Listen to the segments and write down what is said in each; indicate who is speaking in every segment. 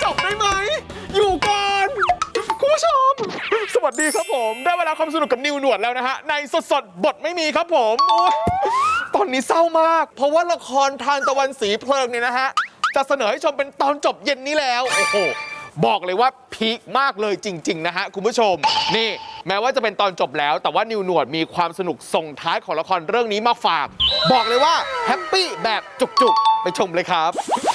Speaker 1: บได้ไหมอยู่ก่อนคุณผู้ชมสวัสดีครับผมได้เวลาความสนุกกับนิวหนวดแล้วนะฮะในสดบทไม่มีครับผมตอนนี้เศร้ามากเพราะว่าละครทานตะวันสีเพลิงเนี่ยนะฮะจะเสนอให้ชมเป็นตอนจบเย็นนี้แล้วโอ้โหบอกเลยว่าพีคมากเลยจริงๆนะฮะคุณผู้ชมนี่แม้ว่าจะเป็นตอนจบแล้วแต่ว่านิวหนวดมีความสนุกส่งท้ายของละครเรื่องนี้มาฝากบอกเลยว่าแฮปปี้แบบจุกๆไปชมเลยครับ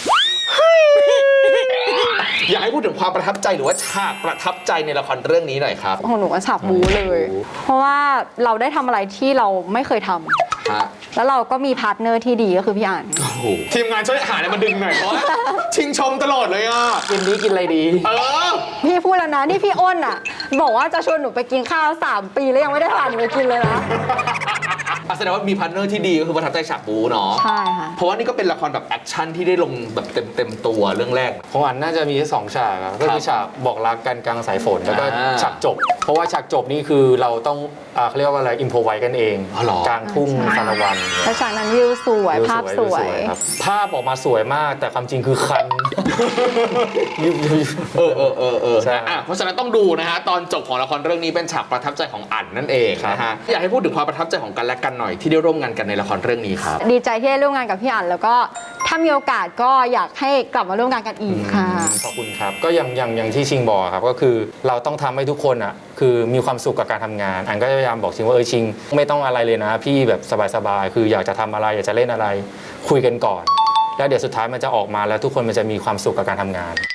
Speaker 1: อยากให้พูดถึงความประทับใจหรือว่าฉากประทับใจในละครเรื่องนี้หน่อยครับ
Speaker 2: ของหนูว่าฉากบู๊เลย เพราะว่าเราได้ทำอะไรที่เราไม่เคยทำแล้วเราก็มีพาร์ทเนอร์ที่ดีก็คือพี่อ่าน
Speaker 1: ทีมงานช่วยหาอะไรมาดึงหน่อยเพราะชิงชมตลอดเลยอ่ะ
Speaker 3: กินนี้กินอะไรดี
Speaker 2: พี่พูดแล้วนะนี่พี่อ้นอ่ะบอกว่าจะชวนหนูไปกินข้าว3 ปีแล้วยังไม่ได้พาหนูไปกินเลยนะ
Speaker 1: แสดงว่ามีพาร์ทเนอร์ที่ดีก็คือประทับใจฉากบู๊เนาะ
Speaker 2: ใช่ค่ะ
Speaker 1: เพราะว่านี่ก็เป็นละครแบบแอคชั่นที่ได้ลงแบบเต็มตัวเรื่องแรก
Speaker 3: ของอันน่าจะมี2 ฉากก็คือฉากบอกรักกันกลางสายฝนแล้วก็ฉากจบเพราะว่าฉากจบนี่คือเราต้องเขาเรียกว่าอะไรอิมโพไวกันเองกลางทุ่งสานวัน
Speaker 2: แล้วฉากนั้นวิวสวยภาพสวย
Speaker 3: ภาพออกมาสวยมากแต่ความจริงคือคัน
Speaker 1: ใช่เพราะฉะนั้นต้องดูนะฮะตอนจบของละครเรื่องนี้เป็นฉากประทับใจของอั๋นนั่นเองนะฮะอยากให้พูดถึงความประทับใจของกันและกันหน่อยที่ได้ร่วมงานกันในละครเรื่องนี้ครับ
Speaker 2: ดีใจที่ได้ร่วมงานกับพี่อั๋นแล้วก็ถ้ามีโอกาสก็อยากให้กลับมาร่วมงานกันอีกค่ะ
Speaker 3: ขอบคุณครับก็อย่างที่ชิงบอกครับก็คือเราต้องทำให้ทุกคนอ่ะคือมีความสุขกับการทำงานอันก็พยายามบอกชิงว่าชิงไม่ต้องอะไรเลยนะพี่แบบสบายๆคืออยากจะทำอะไรอยากจะเล่นอะไรคุยกันก่อนแล้วเดี๋ยวสุดท้ายมันจะออกมาแล้วทุกคนมันจะมีความสุขกับการทำงาน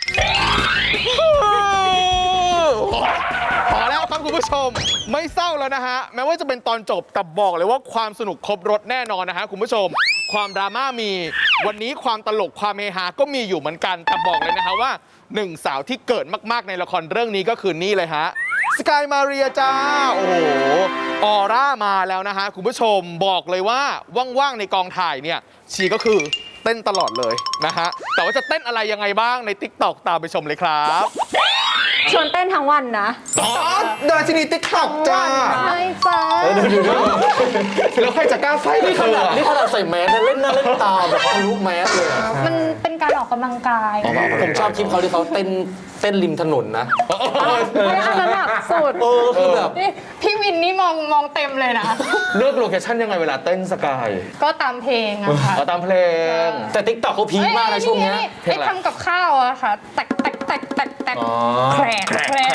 Speaker 1: พอแล้วครับคุณผู้ชมไม่เศร้าแล้วนะฮะแม้ว่าจะเป็นตอนจบแต่บอกเลยว่าความสนุกครบรสแน่นอนนะฮะคุณผู้ชมความดราม่ามีวันนี้ความตลกความเฮฮาก็มีอยู่เหมือนกันแต่บอกเลยนะฮะว่า1 สาวที่เกิดมากๆในละครเรื่องนี้ก็คือนี่เลยฮะสกายมาเรียจ้าโอ้โหออร่ามาแล้วนะฮะคุณผู้ชมบอกเลยว่าว่างๆในกองถ่ายเนี่ยชีก็คือเต้นตลอดเลยนะฮะแต่ว่าจะเต้นอะไรยังไงบ้างใน TikTok ตามไปชมเลยครับ
Speaker 2: ชวนเต้นทั้งวันนะ
Speaker 1: ดาชินี TikTok จ้า
Speaker 2: ใช่จ้า
Speaker 1: แล้วใครจะกล้าไฟ
Speaker 3: นี่ขนาดใส่แมสเล่นหน้าเล่นตาแบบทะลุแมสเลย
Speaker 2: มันเป็นการออกกำลังกาย
Speaker 3: ผมชอบคลิปเขาที่เขาเต้นริมถนนนะ
Speaker 2: อันนั้นแบบสุด
Speaker 3: คือแบบ
Speaker 2: พี่วินนี่มองเต็มเลยนะ
Speaker 1: เลือกโลเคชั่นยังไงเวลาเต้นสกาย
Speaker 2: ก็ตามเพลงอะค่ะ
Speaker 1: ตามเพลง
Speaker 3: แต่ TikTok เขาพีคมากนะช่วงนี้
Speaker 2: ไอ้ทำกับข้าวอะค่ะแตกแครก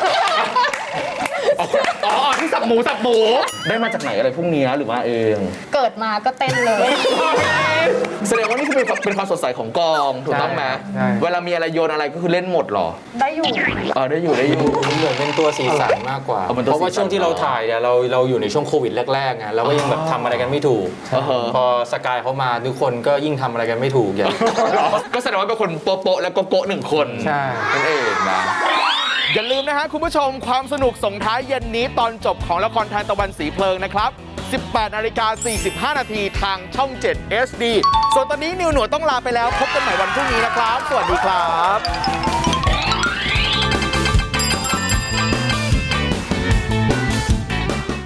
Speaker 1: ที่สับหมูได้มาจากไหนอะไรพวกนี้หรือว่าเอง
Speaker 2: เกิดมาก็เต้นเลย
Speaker 1: แสดงว่านี่คือเป็นความสดใสของกองถูกต้องไหมเวลามีอะไรโยนอะไรก็คือเล่นหมดหรอ
Speaker 2: ได้อยู่
Speaker 1: ได้อยู่
Speaker 3: เหมือนเป็นตัวสีสันมากกว่าเพราะว่าช่วงที่เราถ่ายเนี่ยเราอยู่ในช่วงโควิดแรกๆไงเราก็ยังแบบทำอะไรกันไม่ถูกพอสกายเขามาทุกคนก็ยิ่งทำอะไรกันไม่ถูกอย่าง
Speaker 1: ก็แสดงว่าเป็นคนโป๊ะและโกะ1 คน
Speaker 3: ใช่
Speaker 1: นั่นเองนะอย่าลืมนะฮะคุณผู้ชมความสนุกส่งท้ายเย็นนี้ตอนจบของละครทานตะวันสีเพลิงนะครับ 18:45 นาทีทางช่อง 7 HD ส่วนตอนนี้นิวหนวดต้องลาไปแล้วพบกันใหม่วันพรุ่งนี้นะครับสวัสดีครับ